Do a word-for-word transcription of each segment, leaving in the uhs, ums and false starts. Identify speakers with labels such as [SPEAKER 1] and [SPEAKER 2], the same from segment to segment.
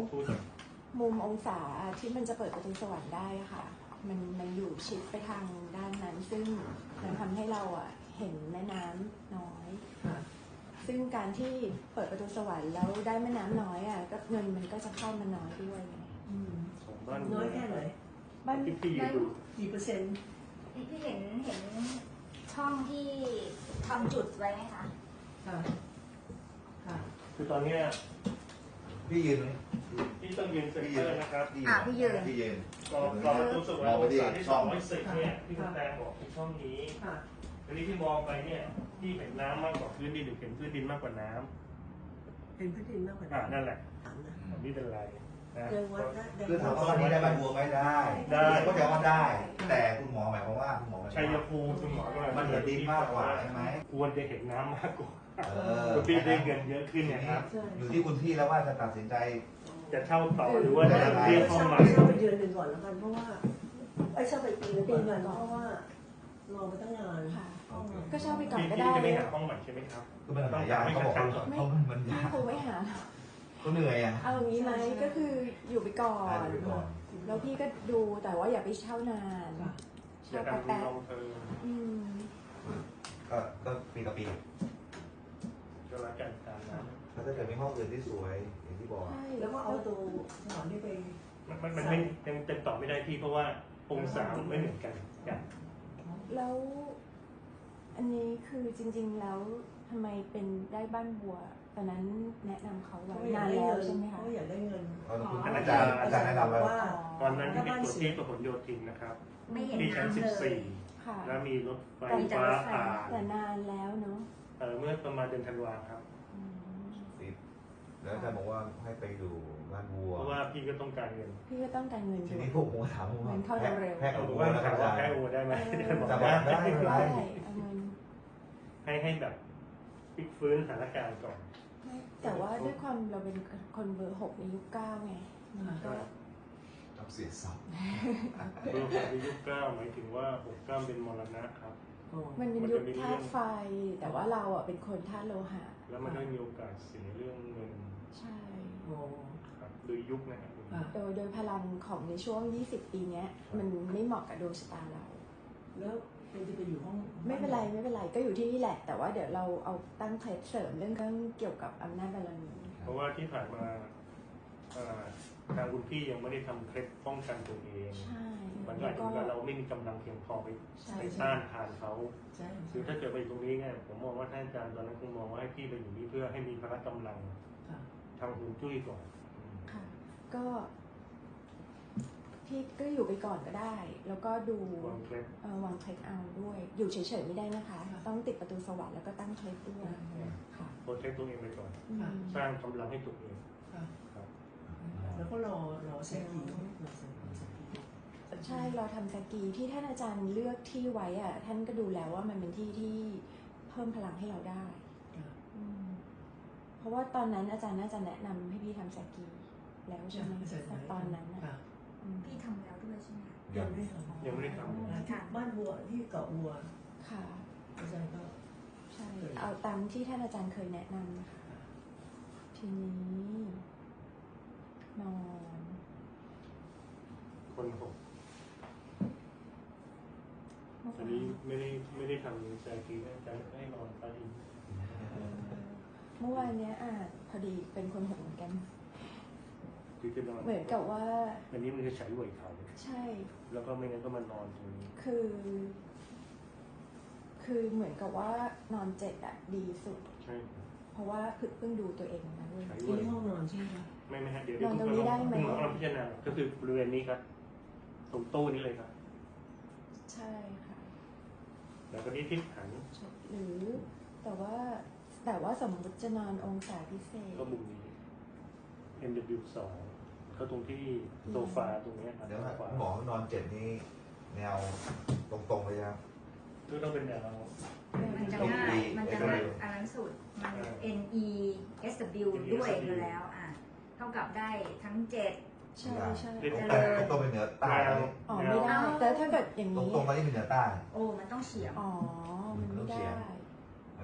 [SPEAKER 1] มุมองศาที่มันจะเปิดประตูสวรรค์ได้ค่ะมันมันอยู่ชิดไปทางด้านนั้นซึ่งมันทำให้เราอ่ะเห็นแม่น้ำน้อยซึ่งการที่เปิดประตูสวรรค์แล้วได้แม่น้ำน้อยอ่ะก็เงินมันก็จะเข้ามาน้อยด้วย
[SPEAKER 2] น้อยแค่ไหน
[SPEAKER 1] บ้าน
[SPEAKER 2] กี่เปอร์เซ็นต์
[SPEAKER 3] ที่เห็นเห็นช่องที่ทำจุดไว้ไหมคะ
[SPEAKER 2] ค่ะค่ะ
[SPEAKER 4] คือตอนนี้
[SPEAKER 5] พี่ยืนไหม
[SPEAKER 4] พี่ต้องยืนเซ็นเตอร์นะครับ
[SPEAKER 3] อ่าพี่ยืน
[SPEAKER 5] พี่ยืน
[SPEAKER 4] รอรอประตูสวรรค์องศาที่สองร้อยสิบเนี่ยที่คุณแตงบอกในช่องนี้ทีนี้ที่มองไปเนี่ยที่เห็นน้ำมากกว่าพื้นดินหรือเห็นพื้นดินมากกว่าน้
[SPEAKER 2] ำเห็นพื้นดินมากกว่า
[SPEAKER 4] น้ำนั่นแหละนี่เป็นไร
[SPEAKER 5] นะคือถามว่าวันนี้ได้บ้านบัวไม่ได้ได้ก็จะว่าได้แต่คุณหมอหมายความว่าคุณหมอ
[SPEAKER 4] ชัยภูมิคุณหมอก็
[SPEAKER 5] มันเห็นดินมากกว่าใช่ไหม
[SPEAKER 4] ควรจะเห็นน้ำมากกว่าคุณพี่ได้เงินเยอะขึ้นนะครับ
[SPEAKER 5] อยู่ที่คุณพี่แล้วว่าจะตัดสินใจ
[SPEAKER 4] จะเช่าต่อหรือว่าจะเรียกห้องใหม่
[SPEAKER 2] เช่าไปเดือนหนึ่งก่อนแล้วกันเพราะว่าไอ้เช่าไปปีนึงก่อนเพราะว่ารอมาตั้งนาน
[SPEAKER 1] ก็เช่าไปก่อนก็
[SPEAKER 4] ได้จะไม่หาห้องใหม่ใช่ไหมครับ
[SPEAKER 5] คือมันหายากเขาบอกเขามันยาก
[SPEAKER 1] คงไม่หา
[SPEAKER 5] ก็เหนื่อยอ่ะ
[SPEAKER 1] เอาอย่างนี้ไหมก็คืออยู่ไปก่อนแล้วพี่ก็ดูแต่ว่าอย่าไปเช่านาน
[SPEAKER 4] เช่าแป๊บ
[SPEAKER 5] ก็ก็ปีต่อปี
[SPEAKER 4] ก็รักกันตามนั้น
[SPEAKER 5] แล้วถ้าเกิดมีห้องอื่นที่สวยอย่างที่บอก
[SPEAKER 2] แล้วก็เอาตัวสถานที่ไป
[SPEAKER 4] มันมันไม่ยังเต็มต่อไม่ได้พี่เพราะว่าองศาไม่เหมือนกันกัน
[SPEAKER 1] แล้วอันนี้คือจริงๆแล้วทำไมเป็นได้บ้านบัวตอนนั้นแนะนำเขาไว้นานแล้วใช่ไหมคะ
[SPEAKER 2] เขาอยากได้เงิน
[SPEAKER 5] อาจารย์อาจารย์แนะนำไว้
[SPEAKER 4] ว่าตอนนั้นที่เป็นตัวที่ประหลโยธินนะครับมีชั้นสิบสี่แล้วมีรถไฟฟ้าผ่าน
[SPEAKER 1] แต่นานแล้วเนาะ
[SPEAKER 4] เมื่อประมาณเดือนธันวาครับ
[SPEAKER 5] แล้วอาจารย์บอกว่าให้ไปดูบ้านบัว
[SPEAKER 4] เพราะว่าพี่ก็ต้องการเงิน
[SPEAKER 1] พี่ก็ต้องการเงิน
[SPEAKER 5] ทีนี้ผมผมถามว่า
[SPEAKER 1] แพ้
[SPEAKER 5] กับบัว
[SPEAKER 4] แล้วครับแพ้บัวได้ไหม
[SPEAKER 5] จะบอกได้
[SPEAKER 1] ได้
[SPEAKER 4] ให้ให้แบบพลิกฟื้นสถานการณ์ก่อน
[SPEAKER 1] แต่ว่าด้วยความเราเป็นคนเบอร์หกในยุคเก้าไงก็
[SPEAKER 5] ต้องเสียสับ
[SPEAKER 4] เบอร์หกในยุคเก้าหมายถึงว่าหกเก้าเป็นมรณะครับ
[SPEAKER 1] มันเป็นยุคธาตุไฟแต่ว่าเราอ่ะเป็นคนธาตุโลหะ
[SPEAKER 4] แล้วมันก็มีโอกาสเสียเรื่องเงิน
[SPEAKER 1] ใช่
[SPEAKER 4] ครับโดยยุคนะครับ
[SPEAKER 1] โดยโดยพลังของในช่วงยี่สิบปีนี้มันไม่เหมาะกับดวงชะตาเรา
[SPEAKER 2] แล้วเป็นจะไปอยู่ห้อง
[SPEAKER 1] ไม่เป็นไรไม่เป็นไรก็อยู่ที่นี่แหละแต่ว่าเดี๋ยวเราเอาตั้งเคล็ดเสริมเรื่องเกี่ยวกับอำนาจบารมี
[SPEAKER 4] เพราะว่าที่ผ่านมาทางคุณพี่ยังไม่ได้ทำเคล็ดป้องกันตัวเองมันก็อาจจะเราไม่มีกำลังเพียงพอไปไปต้านทานเขาคือถ้าเกิดไปตรงนี้เนี่ยผมมองว่าท่านอาจารย์ตอนนั้นคงมองว่าให้พี่ไปอยู่นี่เพื่อให้มีพละกำลังทางหุ่นจุ้ยก่อน
[SPEAKER 1] ค่ะก็พี่ก็อยู่ไปก่อนก็ได้แล้วก็ดู
[SPEAKER 4] วางเคล็ด
[SPEAKER 1] วางเคล็ดเอาด้วยอยู่เฉยๆไม่ได้นะคะต้องติดประตูสวรรค์แล้วก็ตั้งเคล็ดด้วย
[SPEAKER 4] ค่ะโปรเทคตัวเองไปก่อนสร้างกำลังให้ตัวเอง
[SPEAKER 2] แล้วก็รอรอเซกี
[SPEAKER 1] ใช่เราทำสกีที่ท่านอาจารย์เลือกที่ไว้อ่ะท่านก็ดูแล้วว่ามันเป็นที่ที่เพิ่มพลังให้เราได้เพราะว่าตอนนั้นอาจารย์น่าจะแนะนำให้พี่ทำสกีแล้วใช่ไหมตอนนั้น
[SPEAKER 3] พี่ทำแล้วด้วยใช่ไหม
[SPEAKER 2] ยังไม่ท
[SPEAKER 4] ำยังไม่ได้ท
[SPEAKER 2] ำบ้านบัวที่เกาะบัว
[SPEAKER 1] ค่ะ
[SPEAKER 2] อาจารย์ก็
[SPEAKER 1] ใช่เอาตามที่ท่านอาจารย์เคยแนะนำนะคะทีนี้นอน
[SPEAKER 4] คนหกอันนี้ไม่ได้ไม่ได้ทำใจกีนะใจให้นอนไป
[SPEAKER 1] เมื่อวานนี้อ่ะพอดีเป็นคนหกเหมือนกันเหมือนกับว่า
[SPEAKER 4] อันนี้มันจะใช้ไหวเขา
[SPEAKER 1] ใช่
[SPEAKER 4] แล้วก็ไม่งั้นก็มานอนตรงนี้
[SPEAKER 1] คือ คือเหมือนกับว่านอนเจ็ดอ่ะดีสุด
[SPEAKER 4] ใช่
[SPEAKER 1] เพราะว่าเพิ่งดูตัวเองนะด้วย
[SPEAKER 2] ที่ห้องนอนใช่ไหม
[SPEAKER 4] ไม่ไม่ฮะเดี๋ยวเดี๋ยวคุณหมอคุณหมอเราพิจารณาก็คือบริเวณนี้ครับตรงโต๊ะนี้เลยครับ
[SPEAKER 1] ใช่ค่ะ
[SPEAKER 4] แล้วก็นี้ทิศหัน
[SPEAKER 1] หรือแต่ว่าแต่ว่าสมมติจะนอนองศาพิเศษ
[SPEAKER 4] ก็มุมนี้ เอ็ม ดับเบิลยู สองก็ตรงที่โซฟาตรงนี้
[SPEAKER 5] เดี๋ยวหมอนอนเจ็ดนี้แนวตรงๆเลยครับ
[SPEAKER 4] ก็ต้องเป็นแนว
[SPEAKER 3] มันจะง่ายมันจะง่ายอันนั้นสุดมัน เอ็น อี เอส ดับเบิลยู ด้วยอยู่แล้วอ่ะเท่ากับได้ทั้งเจ็ด
[SPEAKER 1] ใช่ใช่
[SPEAKER 5] ตรงเป็นเหนือใต้
[SPEAKER 1] อ๋อไม่ได้แต่ถ้าเกิดอย่างนี้
[SPEAKER 5] ตรงๆไปที่เป็นเหนือใต้
[SPEAKER 3] โอ้มันต้องเฉียง
[SPEAKER 1] อ๋อมันไม่ได้
[SPEAKER 5] มัน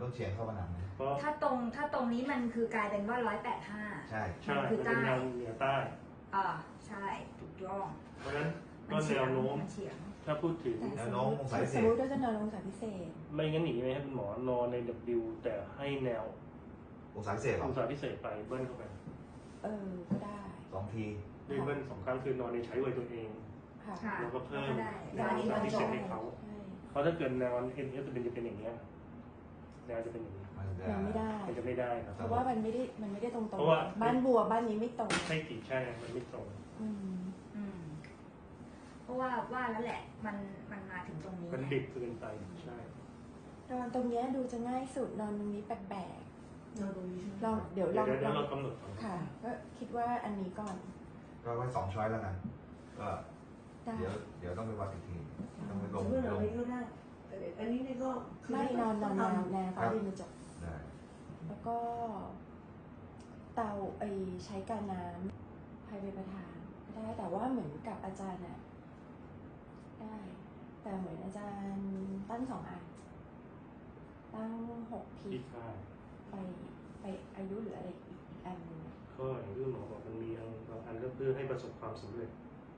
[SPEAKER 5] ต้องเฉียงเข้าผนังนะ
[SPEAKER 4] เพราะ
[SPEAKER 3] ถ้าตรงถ้าตรงนี้มันคือกลายเป็นว่าร้อยแปดห้า
[SPEAKER 5] ใช่
[SPEAKER 4] ใช่
[SPEAKER 3] คือ
[SPEAKER 4] มัน
[SPEAKER 3] ใต้
[SPEAKER 4] เป็นแนวเหนือใต้
[SPEAKER 3] อ่าใช่ถูกต้อง
[SPEAKER 4] เพราะฉะนั้น
[SPEAKER 3] มั
[SPEAKER 4] ก็
[SPEAKER 3] เฉี
[SPEAKER 4] แน
[SPEAKER 3] ยง
[SPEAKER 4] วโน้ม
[SPEAKER 3] มันเฉียง
[SPEAKER 4] ถ้าพูดถึง
[SPEAKER 5] แนวโน้มองศาพิเศ
[SPEAKER 1] สม
[SPEAKER 5] ษ
[SPEAKER 1] มติว่าจะนอนองศาพิเศษ
[SPEAKER 4] ไม่งั้นหนีไหมให้คุณหมอนอนใน W แต่ให้แนว
[SPEAKER 5] องศาพิเศษหร
[SPEAKER 4] อ
[SPEAKER 5] อง
[SPEAKER 4] ศาพิเศษไปเบิ้ลเข้าไป
[SPEAKER 1] เออ ก็ได้
[SPEAKER 5] สองที
[SPEAKER 4] ด้วยเบิ้ลสองครั้งคือนอนในใช้ไว้ตัวเอง
[SPEAKER 1] ค่ะ
[SPEAKER 3] ค่ะ
[SPEAKER 4] แล้วก็เพิ่ม
[SPEAKER 3] ก็ได้
[SPEAKER 4] แนวองศาพิเศษให้เขา
[SPEAKER 1] ใช่
[SPEAKER 4] เพราะถ้าเกิดแนว N F จะเป็นจะเป็นอย่างเงี้ยแนวจะเป็นอย่างนี้
[SPEAKER 5] มันจะ
[SPEAKER 1] ยังไม่ได้
[SPEAKER 4] มันจะไม่ได้ครับ
[SPEAKER 1] เพราะว่ามันไม่ได้มันไม่ได้ตรงตรง
[SPEAKER 4] เพราะว่า
[SPEAKER 1] บ้านบัวบ้านนี้ไม่ตรง
[SPEAKER 4] ใช่กี่ใช่มันไม่ตรง
[SPEAKER 1] อืม
[SPEAKER 3] อืมเพราะว่าว่าแล้วแหละ มันมันมาถึงตรงนี้
[SPEAKER 4] มันดิบเกินไปใช่
[SPEAKER 1] นอนตรงเนี้ยดูจะง่ายสุดนอนตรงนี้แปลก
[SPEAKER 2] เราตรงนี้ใช่ไหม
[SPEAKER 1] ๆลองเดี๋ยวล
[SPEAKER 4] เดี๋ย
[SPEAKER 1] อ
[SPEAKER 4] ว
[SPEAKER 1] ง
[SPEAKER 4] เดี๋ยว
[SPEAKER 1] ล
[SPEAKER 4] เรา
[SPEAKER 1] อง
[SPEAKER 4] กำหนดก่อน
[SPEAKER 1] ค่ะ ก็คิดว่าอันนี้ก่อน
[SPEAKER 5] ก็ไว้สองช้อยแล้วกันก็
[SPEAKER 1] ได้
[SPEAKER 5] เดี๋ยวเดี๋ยวต้องไปวัดอีกทีต้องไปลง
[SPEAKER 2] เพื่อนเรา
[SPEAKER 5] ลง
[SPEAKER 2] ไม่ก็ได้แต่อันนี้นี่ก็คื
[SPEAKER 1] ไม่นอนนอนแนวแนว
[SPEAKER 5] ครั
[SPEAKER 1] ฟ้า
[SPEAKER 5] บ
[SPEAKER 1] ดินกระจก
[SPEAKER 5] ได้
[SPEAKER 1] แล้วก็ เตาไอใช้การน้ำภายในประธานก็ได้แต่ว่าเหมือนกับอาจารย์น่ะได้ แต่เหมือนอาจารย์ตั้งสองอัน ตั้งหกพี
[SPEAKER 4] ที่ค่า
[SPEAKER 1] ไปไปอายุหรืออะไรอีกอันหนึงอะ
[SPEAKER 4] ก็อย่างที่หมอบอกมันมีอันบางอันก็เพื่อให้ประสบความสำเร็จ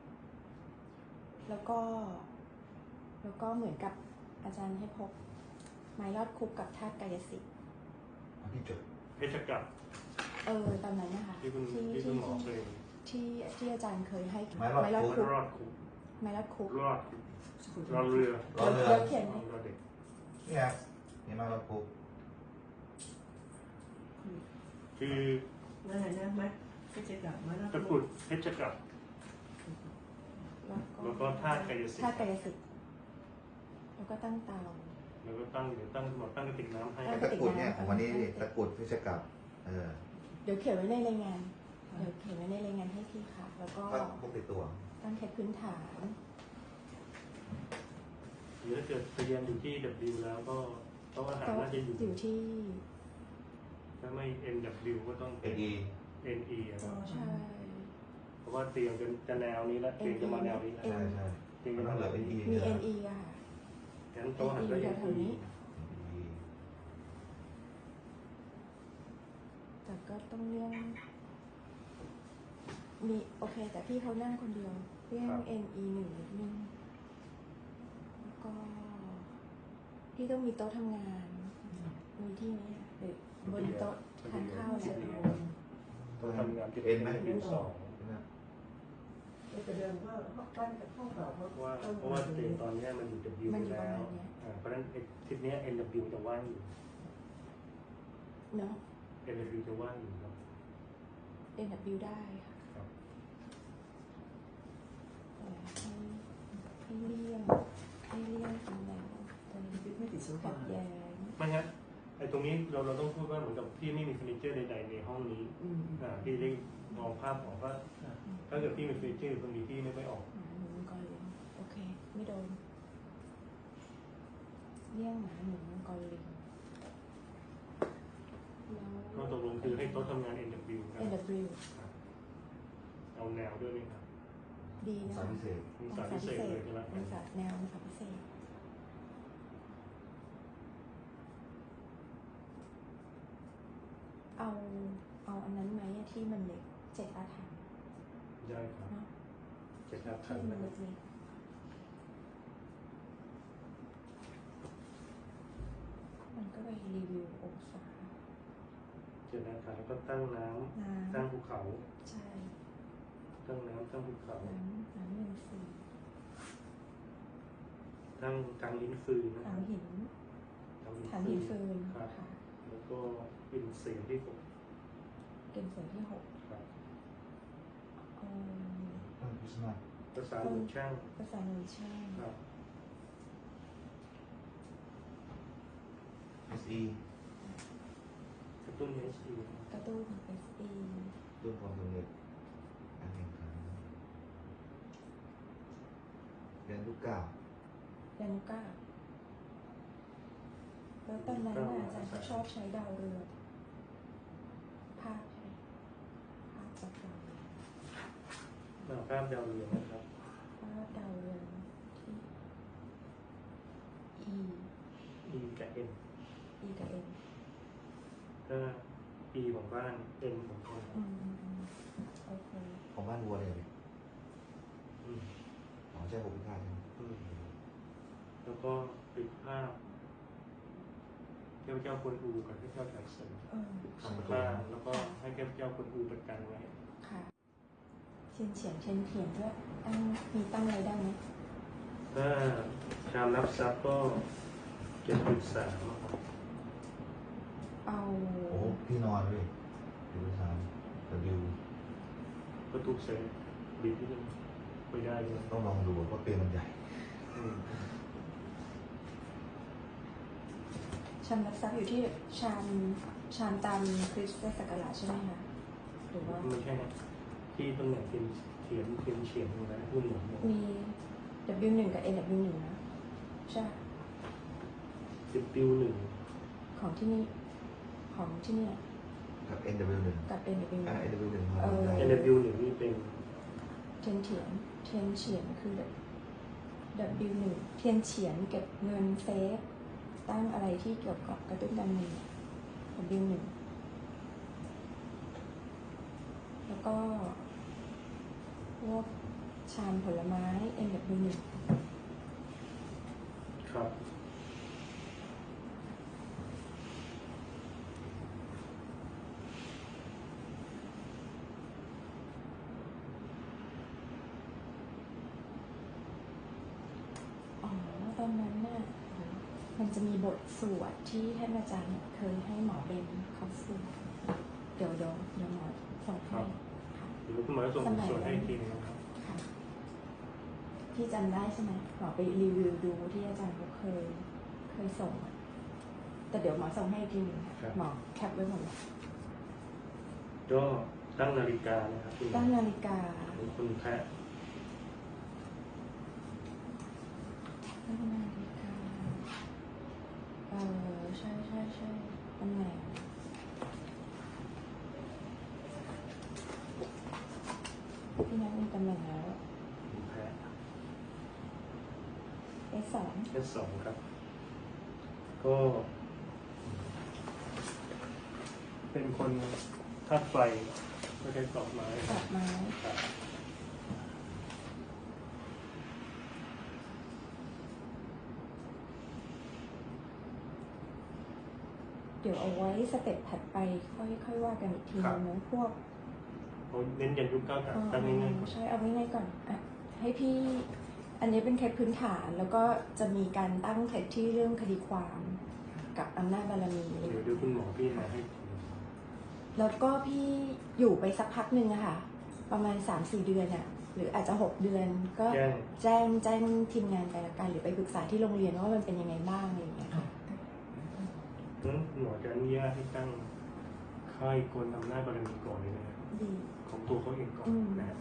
[SPEAKER 1] แล้วก็ แล้วก็เหมือนกับอาจารย์ให้พกไม้ยอดคุกกับธาตุกายสิทธิ์
[SPEAKER 5] เอาที่จุด
[SPEAKER 4] เพชรกลับ
[SPEAKER 1] เออตอนนั้นนะคะ
[SPEAKER 4] ที่คุณ
[SPEAKER 1] ที่
[SPEAKER 4] ที่คุ
[SPEAKER 1] ที่
[SPEAKER 4] ณหมอเคย
[SPEAKER 1] ที่ที่อาจารย์เคยให้
[SPEAKER 5] ไม้รอด
[SPEAKER 1] ยอด
[SPEAKER 5] คุก
[SPEAKER 1] คุก
[SPEAKER 4] รอดคุก
[SPEAKER 1] ไม้ยอดคุก
[SPEAKER 4] รอดคุกรอเรือ
[SPEAKER 5] รอเรือ
[SPEAKER 1] แล้วเขียน
[SPEAKER 4] รอเด็ก
[SPEAKER 5] นี่ครับนี่มาเราปุ๊บ
[SPEAKER 4] คือ
[SPEAKER 2] นั่นแหละนะมัดก็จะกลับมาแล้ว
[SPEAKER 4] ตะกรุดเพชรกลับ แล้วก็ธาตุกายสิท
[SPEAKER 1] ธาตุ
[SPEAKER 4] ธิ์
[SPEAKER 1] กายสิทธิ์แล้วก็ตั้งเตา
[SPEAKER 4] แล้วก็ตั้งเดี๋ยวตั้งหมดตั้งกระติกน้ำให้
[SPEAKER 1] ตั้ง
[SPEAKER 5] ตะกรุดเนี่ยของวันนี้นี่ตะกรุดพิชกับเออ
[SPEAKER 1] เดี๋ยวเขียนไว้ในรายงาน เดี๋ยวเขียนไว้ในรายงานให้พี่ค่ะ แล้วก็
[SPEAKER 5] ก็พกติดตัว
[SPEAKER 1] ตั้งแค่พื้นฐาน
[SPEAKER 4] หรือถ้าเกิดทะเบียนอยู่ที่ W แล้วก็โต๊ะอาหาร
[SPEAKER 1] ก็
[SPEAKER 4] น่าจะอยู่
[SPEAKER 1] อยู่ที่
[SPEAKER 4] ถ้าไม่ N W ก็ต้อง
[SPEAKER 5] เอ็
[SPEAKER 4] เป็น
[SPEAKER 5] นอี
[SPEAKER 4] N E อะครับ
[SPEAKER 1] ใช่
[SPEAKER 4] เพราะว่าเตียงเป็นจะแนวนี้แล้วเตียงจะมาแนวนี้แล้ว
[SPEAKER 5] ใช่ใช่
[SPEAKER 4] เตียง
[SPEAKER 5] มั
[SPEAKER 4] จะ
[SPEAKER 5] นต้
[SPEAKER 4] มา
[SPEAKER 5] องเหลื
[SPEAKER 4] แน
[SPEAKER 5] อ
[SPEAKER 4] ว
[SPEAKER 5] เอ็น
[SPEAKER 4] นี้
[SPEAKER 5] อี
[SPEAKER 1] มี
[SPEAKER 5] นะ
[SPEAKER 1] เอ็นอีอะค่ะ
[SPEAKER 4] งั้นโต๊ะอาหารก็
[SPEAKER 1] แถ
[SPEAKER 4] N
[SPEAKER 1] วๆนี้
[SPEAKER 4] E
[SPEAKER 1] แต่ก็ต้องเลี่ยงมีโอเค แต่พี่เขานั่งคนเดียวเลี่ยง N E หนึ่งนิดนึงแล้วก็ พี่ต้องมีโต๊ะทำงาน มีที่ไหมอะหรือบนโต๊ะทานข้าวเนี่ย
[SPEAKER 4] ต้องทำงานที่
[SPEAKER 5] เอ็นไหม
[SPEAKER 4] W สอง
[SPEAKER 2] แต่เดิมก็ปั้นกับห้องเก่าเพราะ
[SPEAKER 4] เพราะว่าเพราะว่าเตียงตอนเนี้ยมันอยู่ W
[SPEAKER 1] มัน
[SPEAKER 4] ไป
[SPEAKER 1] อยู่ประ
[SPEAKER 4] แล้
[SPEAKER 1] มาว ณเนี้ย
[SPEAKER 4] อ่าเพราะฉะนั้นไอ้ทิศเนี้ย N W จะว่างอยู่
[SPEAKER 1] เนาะ
[SPEAKER 4] N W จะว่างอยู่ครับ
[SPEAKER 1] N W ได้ค่ะ
[SPEAKER 4] ครับ
[SPEAKER 1] แต่ให้ให้เลี่ยงให้เลี่ยงตำแหน่งตรง
[SPEAKER 2] ไม่ติดโซ
[SPEAKER 1] ขั
[SPEAKER 2] ฟา
[SPEAKER 1] ดแย้ง
[SPEAKER 4] ไม่งั้นไอ้ตรงนี้เราเราต้องพูดว่าเหมือนกับพี่ไม่มีเฟอร์นิเจอร์ใดๆในห้องนี้
[SPEAKER 2] อืม
[SPEAKER 4] อ่าพี่ได้มองภาพออกว่าถ้าเกิดพี่มีเฟอร์นิเจอร์ตรงนี้พี่ไม่ไม่ออก
[SPEAKER 1] หมาหนูมังกรลิงโอเค ไม่โดนเลี่ยงหมาหนูมังกรลิงแล้ว
[SPEAKER 4] ก็ตกลงคือให้โต๊ะทำงาน N W นะ
[SPEAKER 1] N W
[SPEAKER 4] ครับเอาแนวด้วยไหมครับ
[SPEAKER 1] ดี
[SPEAKER 5] อง
[SPEAKER 1] นะ
[SPEAKER 5] ศา
[SPEAKER 1] คะ
[SPEAKER 5] พิเศษ
[SPEAKER 4] มีสายพิเศษเลยใช่ไหม
[SPEAKER 1] องศาแนวองศาพิเศษเอาเอาอันนั้นไหมอะที่มันเล็กเจ็ดอาถรรพ์
[SPEAKER 4] ได้ครับ
[SPEAKER 1] เนาะ
[SPEAKER 4] เจ็ดอาคา
[SPEAKER 1] ที่
[SPEAKER 4] ร
[SPEAKER 1] มัน
[SPEAKER 4] นะ
[SPEAKER 1] เล็กๆมันก็ไปรีวิวองศา
[SPEAKER 4] เจ็ดอาคารแล้วก็ตั้งน้ำ
[SPEAKER 1] น้
[SPEAKER 4] ตั้งภูเขา
[SPEAKER 1] ำใช่
[SPEAKER 4] ตั้งน้ำตั้งภูเขา
[SPEAKER 1] น้ำน้ำหนึ่งสี่
[SPEAKER 4] ตั้งกลางหินฟืนนะค
[SPEAKER 1] ถั
[SPEAKER 4] รั
[SPEAKER 1] ง
[SPEAKER 4] บ
[SPEAKER 1] หิน
[SPEAKER 4] กลาง
[SPEAKER 1] ถังหินฟืน
[SPEAKER 4] ครับ
[SPEAKER 1] ค่ะ
[SPEAKER 4] แล้วก็อินเสียงที่หก
[SPEAKER 1] เกณฑ์เสริมที่หก
[SPEAKER 4] ครับ
[SPEAKER 1] เอ่อ
[SPEAKER 5] ต้นคริสต์มาส
[SPEAKER 4] ภาษาหนุนช่าง
[SPEAKER 1] ภาษาหนึ่งช่าง
[SPEAKER 4] ครับ
[SPEAKER 5] เอสอี
[SPEAKER 4] กระตุ้นเอชอี
[SPEAKER 1] กระตุ้น เอส อี
[SPEAKER 5] รุ่นความสำเร็จการแข่งขันเรียนลูกเก้า
[SPEAKER 1] แดนูก้าแล้วตอนนั้นน่ะอาจารย์เขาชอบใช้ดาวเรืองภาพใช่ไหมภาพจากดาวเรือง
[SPEAKER 4] หน้าภาพดาวเรืองนะครับ
[SPEAKER 1] ภาพดาวเรืองที่ E
[SPEAKER 4] E กับ N
[SPEAKER 1] E กับ N
[SPEAKER 4] ก็ E ของบ้าน N ของคน
[SPEAKER 1] อืมอืมอืมโอเค
[SPEAKER 5] ของบ้านวัวเลย
[SPEAKER 4] อืม
[SPEAKER 5] อ๋อใช่ผมพิฆาตใช่ไหม
[SPEAKER 4] อืมแล้วก็ปิดภาพเทพเจ้ากวนอูกับเทพเจ้าไถเซิน
[SPEAKER 1] เออใช่
[SPEAKER 4] บ้านแล้วก็ให้เทพเจ้ากวนอูประกันไว้
[SPEAKER 1] ค่ะเทียนเฉียนเทียนเถียนด้วยตั้งมีตั้งอะไรได้ไหม
[SPEAKER 4] ถ้าชามรับทรัพย์ก็เจ็ดจุดสาม
[SPEAKER 1] เอา
[SPEAKER 5] โอ้พี่นอนด้วยดูสามแต่วิว
[SPEAKER 4] ก็ถูกเซฟบิดที่นึงไม่ได้เลย
[SPEAKER 5] ต้องลองดูเพราะเตียงมันใหญ่
[SPEAKER 4] อืม
[SPEAKER 1] ชามรับทรัพย์อยู่ที่ชามชามตามคริสต์ศักราชใช่ไหมคะหรือว่า
[SPEAKER 4] ไม่ใช่นะที่ตำแหน่งเป็นเขียนเป็นเฉียนอยู่นะรุ่นหนึ่ง
[SPEAKER 1] มี W หนึ่งกับ N W หนึ่งนะใช่
[SPEAKER 4] สิบปิวหนึ่ง
[SPEAKER 1] ของที่นี่ของที่เนี่ย
[SPEAKER 5] กับ เอ็น ดับเบิลยู หนึ่ง
[SPEAKER 1] กับ N W หนึ่ง
[SPEAKER 5] อ่า เอ็น ดับเบิลยู หนึ่ง
[SPEAKER 1] เออ
[SPEAKER 4] เอ็น ดับเบิลยู หนึ่งนี่เป็น
[SPEAKER 1] เทียนเฉียนเทียนเฉียนคือ W หนึ่งเทียนเฉียนเก็บเงินเซฟตั้งอะไรที่เกี่ยวกับกระตุ้นการเงิน W หนึ่งแล้วก็พวกชามผลไม้ N W หนึ่ง
[SPEAKER 4] ครับ
[SPEAKER 1] อ๋อตอนนั้นน่ะมันจะมีบทสวดที่ท่านอาจารย์เคยให้หมอเบนเขาสวดเดี๋ยวเดี๋ยวเดี๋ยวหมอส่งให้ค่ะ
[SPEAKER 4] เดี๋ยวคุณหมอจะส่งส่วนให้อีกทีนึงนะครับ
[SPEAKER 1] ค่ะพี่จำได้ใช่ไหมหมอไปรีวิวดูที่อาจารย์เขาเคยเคยส่งอะแต่เดี๋ยวหมอส่งให้อีกทีหนึงหมอแคปไว้หมดเลย
[SPEAKER 4] ก็ตั้งนาฬิกานะครับคุณหมอ
[SPEAKER 1] ตั้งนาฬิกา
[SPEAKER 4] ของคุณแพะ
[SPEAKER 1] ตั้งนาฬิกาเออใช่ใช่ใช่ตำแหน่งพี่นัทมีตำแหน่งแล้ว
[SPEAKER 4] คุณแพะ
[SPEAKER 1] เอสสอง
[SPEAKER 4] เอสสองครับ ก็ เป็นคนธาตุไฟไม่ใช่ตอกไม้
[SPEAKER 1] ดอกไม้
[SPEAKER 4] ครับ
[SPEAKER 1] เดี๋ยวเอาไว้สเต็ปถัดไปค่อยค่อยว่ากันอีกทีนึงนะพวก
[SPEAKER 4] เขาเน้นยันยุคเก้ากับ
[SPEAKER 1] เอ่อ
[SPEAKER 4] ตั้งง่ายๆก่อน
[SPEAKER 1] ใช่เอาง่ายๆก่อนอ่ะให้พี่อันนี้เป็นเคล็ดพื้นฐานแล้วก็จะมีการตั้งเคล็ดที่เรื่องคดีความกับอำนาจบารมี
[SPEAKER 4] เดี๋ยวเดี๋ยวคุณหมอพี่มาให้
[SPEAKER 1] แล้วก็พี่อยู่ไปสักพักหนึ่งอะค่ะ ประมาณ สามสี่เดือนอะหรืออาจจะหกเดือนก็
[SPEAKER 4] แจ้ง
[SPEAKER 1] แจ้งแจ้งทีมงานไปละกันหรือไปปรึกษาที่โรงเรียนว่ามันเป็นยังไงบ้างอะไรอย่างเงี้ยค่ะ
[SPEAKER 4] นั้นคุณหมอจะอนุญาตให้ตั้งค่ายกลอำนาจบารมีก่อนเลยนะครับ
[SPEAKER 1] ดี
[SPEAKER 4] ของตัวเขาเองก่อน
[SPEAKER 1] อืม
[SPEAKER 4] นะ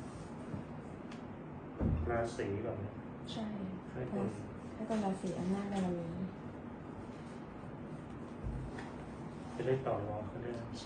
[SPEAKER 4] ราศีก่อนนะ
[SPEAKER 1] ใช่
[SPEAKER 4] ค่ายกล
[SPEAKER 1] ให้คนราศีอำนาจบารมี
[SPEAKER 4] จะได้ต่อรองเขาได้
[SPEAKER 1] ใช่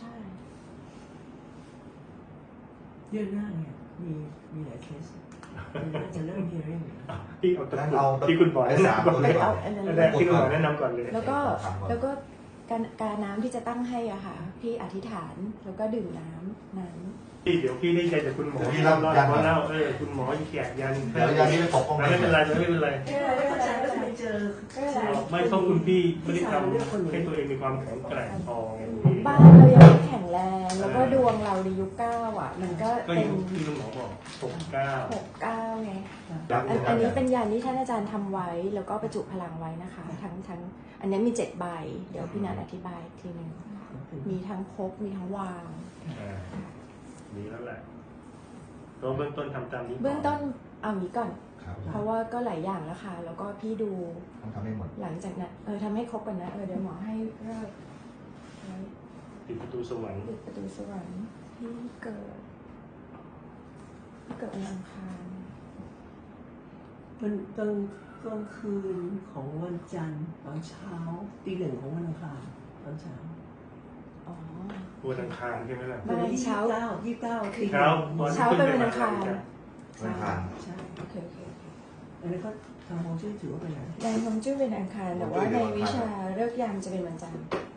[SPEAKER 2] เดือนหน้าเนี่ยมีมีหลายเคสเดือนหน้าจะเริ่ม hearing
[SPEAKER 4] ที่เอาตะ
[SPEAKER 5] งั้น
[SPEAKER 4] กรุ
[SPEAKER 5] เอา
[SPEAKER 4] ดที่คุณหมอ
[SPEAKER 5] ไอ้
[SPEAKER 4] แนะ
[SPEAKER 5] สาม
[SPEAKER 4] นำก่อน
[SPEAKER 5] ตัว
[SPEAKER 4] เล
[SPEAKER 5] นี้
[SPEAKER 4] ย
[SPEAKER 5] ก่อน
[SPEAKER 1] อันนั้น
[SPEAKER 4] อันแรกที่คุณหมอแนะนำก่อนเลย
[SPEAKER 1] แล้วก็
[SPEAKER 5] สามก่อน
[SPEAKER 1] แล้วก็การการน้ำที่จะตั้งให้อ่ะค่ะ พี่อธิษฐานแล้วก็ดื่มน้ำน้ำ
[SPEAKER 4] พี่เดี๋ยวพี่ได้ใจจากคุณหมอ
[SPEAKER 5] เดี๋ยวพี่
[SPEAKER 4] ที่
[SPEAKER 5] รั
[SPEAKER 4] เล่า
[SPEAKER 5] บ
[SPEAKER 4] เล่า
[SPEAKER 5] ยันก่อน
[SPEAKER 4] เล่าเออคุณหมอแขกยัน
[SPEAKER 5] เดี๋ยวยันนี้ไปปกป้อง
[SPEAKER 4] ไม่เป็นไรไม่เป็นไร
[SPEAKER 2] ไม่เข้าใจว่าทำไมเจอ
[SPEAKER 4] ไม่ต้องคุณพี่ไม่ได้ทำให้ตัวเองมีความแข็งแกร่งพอ
[SPEAKER 1] บ้านเรายังไม่แข็งแรง แล้วก็ดวงเราในยุคเก้าอ่ะ มันก็
[SPEAKER 4] ก็
[SPEAKER 1] เป็
[SPEAKER 4] อน ย่างที่คุณหมอบอกหกเก้า
[SPEAKER 1] หกเก้าไงอันอันนี้เป็นยานที่ท่านอาจารย์ทำไว้ แล้วก็ประจุพลังไว้นะคะ ทั้งทั้งอันนี้มีเจ็ดใบ เดี๋ยวพี่นันอธิบายอีกทีหนึ่งมีทั้งพกมีทั้งวาง
[SPEAKER 4] อ่าดีแล้วแหละก็เบื้องต้นทำตามนี้
[SPEAKER 1] เบื้องต้นเอางี้ก่อน
[SPEAKER 5] ครับ
[SPEAKER 1] เพราะว่าก็หลายอย่างแล้วค่ะ แล้วก็พี่ดู
[SPEAKER 5] ต้องทำให้หมด
[SPEAKER 1] หลังจากนั้นเออทำให้ครบก่อนนะเออเดี๋ยวหมอให้เลิกไว้
[SPEAKER 4] ปิดประตูสวรรค์
[SPEAKER 1] ปิดประตูสวรรค์ที่เกิดที่เกิดวันอังคาร
[SPEAKER 2] มันกลางกลางคืนของวันจันทร์ตอนเช้าตีหนึ่งของวันอังคารตอนเช้า
[SPEAKER 1] อ๋อ
[SPEAKER 4] วันอังคารใช่ไหมล่ะ
[SPEAKER 1] ไม่ เช้า
[SPEAKER 2] เก้ายี่สิบเก้าตี
[SPEAKER 4] เช้าตอน
[SPEAKER 1] เช้าเป็นวันอังคาร
[SPEAKER 5] วันอังคาร
[SPEAKER 2] ใช่
[SPEAKER 1] โอเคโอเคโอเค
[SPEAKER 2] อันนี้ก็ทางฮวงจุ้ยถือว่าเป็นอะไร
[SPEAKER 1] ในฮวงจุ้ยเป็นอังคารแต่ว่าในวิชาเลิกษ์ยามจะเป็นวันจันทร์
[SPEAKER 5] อ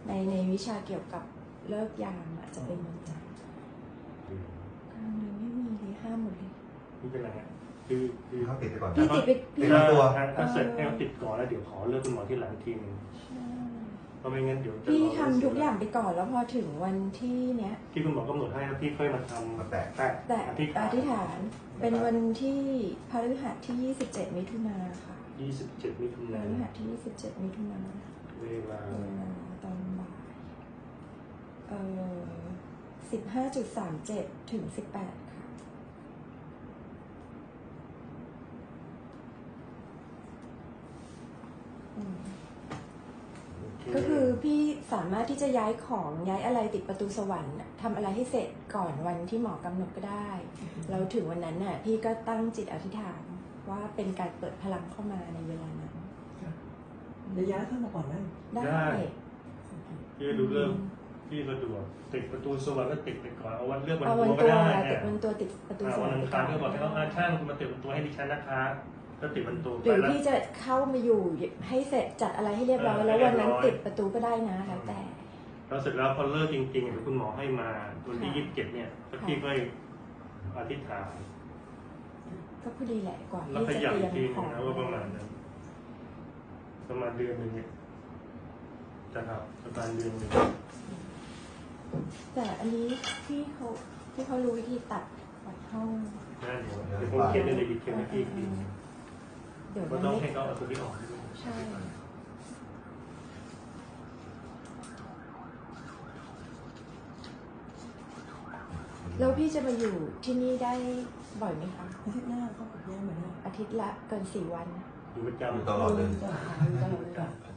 [SPEAKER 1] ในในวิชาเกี่ยวกับเลิกยามอะจะเป็นวันจันทร์กลางเดือนไม่มีเลยห้ามหมดเลย
[SPEAKER 4] ไม่เป็นไรฮะคือคือ
[SPEAKER 5] เขาติดไปก่อน
[SPEAKER 1] พี่ติดไป
[SPEAKER 5] ติ
[SPEAKER 1] พี่
[SPEAKER 5] ดตัว
[SPEAKER 4] ถ้าเสร็จให้เขาติดก่อนแล้วเดี๋ยวขอเลือกคุณหมอที่หลังทีนึง
[SPEAKER 1] ใช่
[SPEAKER 4] เพราะไม่งั้นเดี๋ยวจะ
[SPEAKER 1] พี่
[SPEAKER 4] รอ
[SPEAKER 1] ทำทุกอย่างไปก่อนแล้วพอถึงวันที่เนี้ย
[SPEAKER 4] ที่คุณหมอกำหนดให้แล้วพี่ค่อยมาทำ
[SPEAKER 5] มาแตะ
[SPEAKER 4] แตะ
[SPEAKER 1] แต่
[SPEAKER 4] อธิษฐาน
[SPEAKER 1] อธิษฐานเป็นวันที่พฤหัสที่ยี่สิบเจ็ดมิถุนาค่ะ
[SPEAKER 4] ยี่สิบเจ็ดมิถุ
[SPEAKER 1] พ
[SPEAKER 4] นาย
[SPEAKER 1] ฤ
[SPEAKER 4] น
[SPEAKER 1] หัสที่ยี่สิบเจ็ดมิถุนา
[SPEAKER 4] เวลา
[SPEAKER 1] เวลาตอนบ่ายเอ่อสิบห้าจุดสามเจ็ดถึงสิบแปดค่ะอืม ก็คือพี่สามารถที่จะย้ายของย้ายอะไรติดประตูสวรรค์น่ะทำอะไรให้เสร็จก่อนวันที่หมอกำหนดก็ได้เราถึงวันนั้นน่ะพี่ก็ตั้งจิตอธิษฐานว่าเป็นการเปิดพลังเข้ามาในเวลานั้น
[SPEAKER 2] ระยะเข้ามาก่อนได้
[SPEAKER 1] ได้
[SPEAKER 4] พี่ดูเรื่องพี่สะดวกติดประตูสวรรค์ก็ติดไปก่อนเอาวันเลือกวัน
[SPEAKER 1] เอา
[SPEAKER 4] ตั
[SPEAKER 1] วัน
[SPEAKER 4] วก็
[SPEAKER 1] ตัว
[SPEAKER 4] ได้
[SPEAKER 1] ติ
[SPEAKER 4] เนี่
[SPEAKER 1] ด
[SPEAKER 4] ย
[SPEAKER 1] วันตัวติดประตูสว
[SPEAKER 4] วั
[SPEAKER 1] ร
[SPEAKER 4] น
[SPEAKER 1] รค์
[SPEAKER 4] อั
[SPEAKER 1] ไป
[SPEAKER 4] ง
[SPEAKER 1] ก่
[SPEAKER 4] คา
[SPEAKER 1] อ
[SPEAKER 4] ร
[SPEAKER 1] น
[SPEAKER 4] ก็บอกให้เขาอาช่างคุณมาติดประตูให้ดิฉันนะคะก็ติดประตู
[SPEAKER 1] ห
[SPEAKER 4] ไป
[SPEAKER 1] รือ
[SPEAKER 4] แล้ว
[SPEAKER 1] พี่จะเข้ามาอยู่ให้เสร็จจัดอะไรให้เรียบร้อยแล้ววันนั้นติดประตูก็ได้นะแล้วแต่
[SPEAKER 4] แล้วเสร็จแล้วพอเลิกจริงๆเดี๋ยวคุณหมอให้มาวันที่
[SPEAKER 1] ค่ะ
[SPEAKER 4] ยี่สิบเจ็ดเนี่ยก็พี่ก็อธิษฐาน
[SPEAKER 1] ก็พอดีแหละก่อน
[SPEAKER 4] แล้วข
[SPEAKER 1] ที่จะ
[SPEAKER 4] ยับ
[SPEAKER 1] เตรี
[SPEAKER 4] อี
[SPEAKER 1] ย
[SPEAKER 4] ก
[SPEAKER 1] ม
[SPEAKER 4] ทีห
[SPEAKER 1] ข
[SPEAKER 4] นึ
[SPEAKER 1] อง ง
[SPEAKER 4] นะว่าประมาณนั้นประมาณเดือนหนึ่งเนี่ยจะครับประมาณเดือนหนึ่ง
[SPEAKER 1] แต่อันนี้พี่เขาที่เขารู้วิธีตัดตัดห้อง
[SPEAKER 4] น่าเดี๋ยวเดี๋ยวผมเขียนในในดีเทลให้พี่อีกที
[SPEAKER 1] เดี๋ยว
[SPEAKER 4] ก็
[SPEAKER 1] มัน
[SPEAKER 4] ต้อง
[SPEAKER 1] ไม่
[SPEAKER 4] ให้เขาเอาตัวที่ออกด้วย
[SPEAKER 1] ใช่ แล้วพี่จะมาอยู่ที่นี่ได้บ่อยไหมคะ
[SPEAKER 2] อาทิตย์หน้าเขาย้ายมาได้
[SPEAKER 1] อาทิตย์ละเกินสี่วัน
[SPEAKER 4] อยู่ประ
[SPEAKER 5] อยู่
[SPEAKER 4] จำ
[SPEAKER 5] ตลอดเลย
[SPEAKER 2] จะหา
[SPEAKER 1] ตลอดเวลา